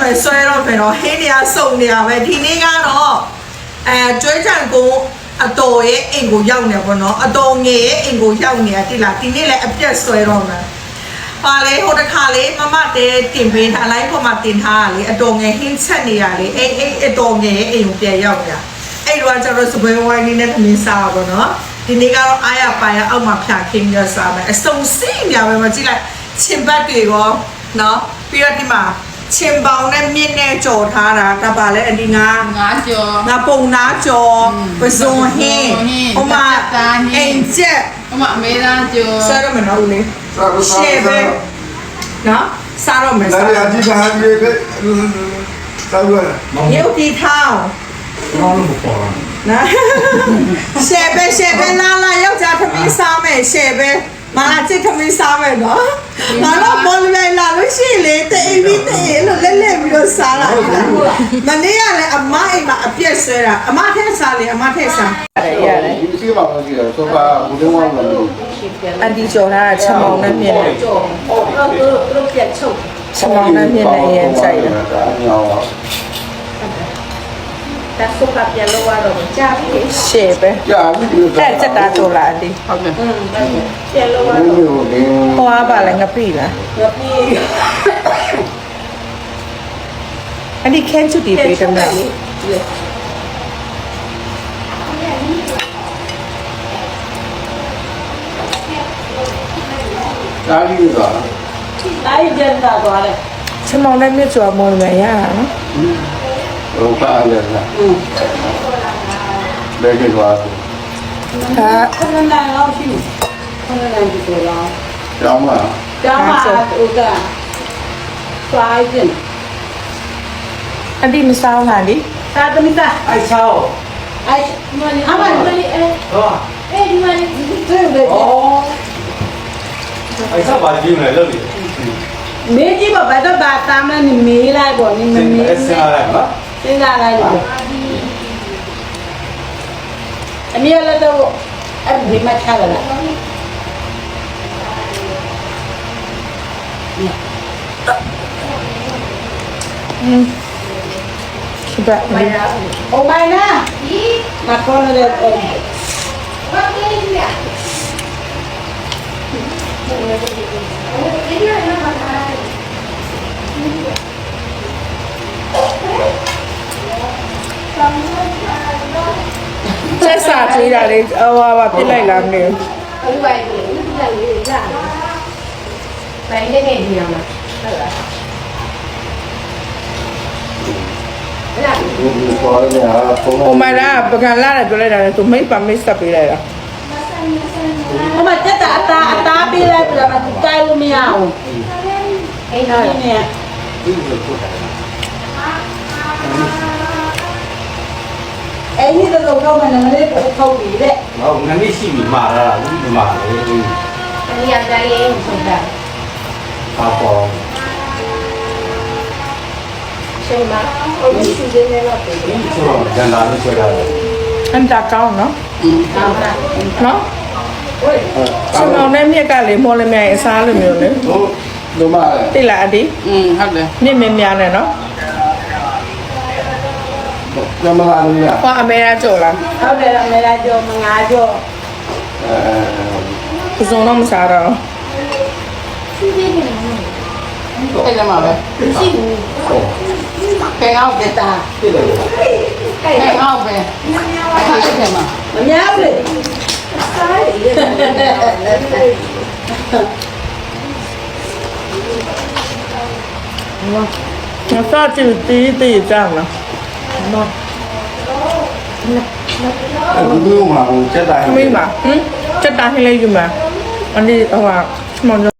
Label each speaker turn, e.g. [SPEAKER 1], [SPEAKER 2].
[SPEAKER 1] ပဲဆွဲတော့မယ်တော့ဟင်းတွေကစုံနေရပဲဒီနေ့ကတော့ကျွေးချံကိုအတော်ရဲ့အိမ်ကိုရောက်နေပေါ့နော်အတော်ငယ်ရဲ့အိမ်ကိုရောက်နေရတိလားဒီနေ့လည်းအပြက်ဆွဲတော့မယ်ပါလေဟိုတခါလေးမမတဲတင်ပေးထားလိုက်ပေါ်မှာတင်ထားတာလေအတော်ငယ်ဟင်းချက်နေရလေအဲ့အတော်ငယ်ရဲ့အိမ်ကိုပြန်ရောက်နေတာအဲ့တော့ကျတော့စပွဲဝိုင်းလေးနဲ့သမင်းစားပါတော့နော်ဒီနေ့ကတော့အားရပါရအောက်မှာဖြာခင်းရစားမယ်အစုံစိမ့်ရပဲမကြည့်လိုက်ချင်ပတ်တွေရောနော်ပြီးတော့ဒီမှာချင်ပေါင်နဲ့မြင့်နဲ့ကြော်ထားတာဒါပါလေအဒီငါ
[SPEAKER 2] ကြော်
[SPEAKER 1] ငါပုံနာကြော်ပစုံဟင်းဟိုမှာအင်ကျက်
[SPEAKER 2] ဟိုမှာအမေသားကြော်
[SPEAKER 1] စားရမနော်ဦးလေးရှေ့ပဲနော်စားရမယ်
[SPEAKER 3] စားရအကြည့်ထားပြီးစားရ
[SPEAKER 1] ရုပ်တီထောင်း
[SPEAKER 3] ဘာလို့မပေါ်လား
[SPEAKER 1] နော်ရှေ့ပဲလာယောက်ျားသမီးစားမယ်ရှေ့ပဲမလာချစ်သမီးစားမယ်နော်ငါတော့ဘောလေးလာလို့ရှိလေတေးပြီးတေးလို့လဲပြီးတော့စားလာမနေ့ကလည်းအမအိမ်မှာအပြက်ဆွဲတာအမထက်စားလေအမထက်စားရတယ်
[SPEAKER 3] ဒီစီမှာမရှိတော့ဆိုပါဘူးတော့မလို့
[SPEAKER 1] အဒီကျော်ထားတာချက်မောင်းနဲ့မြင်တယ်သူပြက်ချုပ်ချက်မောင်းနဲ့မြင်တယ်ရင်ဆိုင်တယ်ဒါဆိုကပြန်လို့ရတော့ကြာပြီရှေ့ပဲ
[SPEAKER 3] ကြာပြီ
[SPEAKER 1] အဲ့ချက်တာတော်လာအဒီ
[SPEAKER 2] ဟုတ်တယ်
[SPEAKER 1] ပြန်လို့ရတော့ဟောပါလဲငပိလားငပိအဒီကန်ချူတီပေးတယ်မလား
[SPEAKER 3] ဒါကြီးက
[SPEAKER 1] တိုင်းကျန်တာသွားတယ်ချက်မောင်းနဲ့မြစ်ကျော်မော်မယ်ရတာနော်
[SPEAKER 3] ဟိုပါလေလားဘယ်ကတော့
[SPEAKER 1] ခဏနိုင်လောက်ရှိခဏနိုင်ဒီလိုလား
[SPEAKER 3] ကျောင်းမှာ
[SPEAKER 1] ဥကဖိုင်တင်အဒီမစားလားဒီစားသမီးသား
[SPEAKER 4] အိုက်ချောင်း
[SPEAKER 1] အိုက်မနီအမနီဟောဒီမနီတွေ့တယ်
[SPEAKER 4] အိုက်ချောင်းပါကြည့်မယ်လို့လေ
[SPEAKER 1] မေးကြည့်ပါဘယ်တော့ဘာတာမလဲမေးလိုက်ပေါ့နေမေး
[SPEAKER 4] စဉ်းစားလိုက်နော်
[SPEAKER 1] စဉ်းစားလိုက်လို့အမေလည်းတော့အဲ့ဒီမှာချလာလားคิดแบบโอ้ไม่นะมาคนละเลยว่าเล่นเนี่ยဆက်စားကြည့်တာလေဟိုပါပြစ်လိုက်လားမသိဘူး
[SPEAKER 5] ဟုတ်ပါဘူး။လက်လေးရ။ဘယ်နဲ့နေရမှာဟုတ်လား။အဲ့ဒါ
[SPEAKER 3] ဒီပေါ်နေဟာပုံ
[SPEAKER 1] ဟိုမှာပကံလာတယ်ပြောလိုက်တာလေသူမိတ်ပါမိတ်ဆက်ပေးလိုက်တာဟိုမှာတက်တာအသားပေးလိုက်ပြီးတော့မကိုင်းလို့မရဘူး
[SPEAKER 5] အိမ်တော့
[SPEAKER 1] เนี่ยအဲ့ဒီတော့မှလည်းထုတ်ပြီးတဲ့
[SPEAKER 4] ဟောငါနေ့ရှိပြီမှာလားဘူးမှာလေ
[SPEAKER 5] ။အရင်ကတည်းကဆိုတာ
[SPEAKER 4] ပါပေါ်
[SPEAKER 5] ချိန်မှာဟိုဒီစီစဉ်နေတော့ပြီ
[SPEAKER 4] ဒီဆိုတော့ဂျန်လာလို့ဆွဲထားတယ်
[SPEAKER 1] အန်တာကောင်းနော်
[SPEAKER 5] ဟုတ်လား
[SPEAKER 1] နော်ကျွန်တော်နဲ့မြက်ကလေမော်လမြိုင်အစားလိုမျိုးလေ
[SPEAKER 3] ဟုတ်တို့မ
[SPEAKER 1] တိလားအဒီ
[SPEAKER 2] ဟုတ်တယ်
[SPEAKER 1] မြင့်များနဲ့နော်
[SPEAKER 3] ကျမလာလို့ရ
[SPEAKER 1] ဟောအမေရာကြော်လားဟုတ်တယ်အမေရာကြော်မငါကြော်ပစုံတော့မစားတော့
[SPEAKER 2] အဲ့ဒါမှပဲ
[SPEAKER 5] ရှိဘူး
[SPEAKER 2] ကဲအောင်ကတာကဲအောင်ပဲအဲ့ဒါမှ
[SPEAKER 1] မများဘူးလေစားရည်我上去第一站了。
[SPEAKER 3] ဘူးမှာဟိုချက်တိုင်း
[SPEAKER 1] 没嘛？这打下来就嘛？俺的话什么？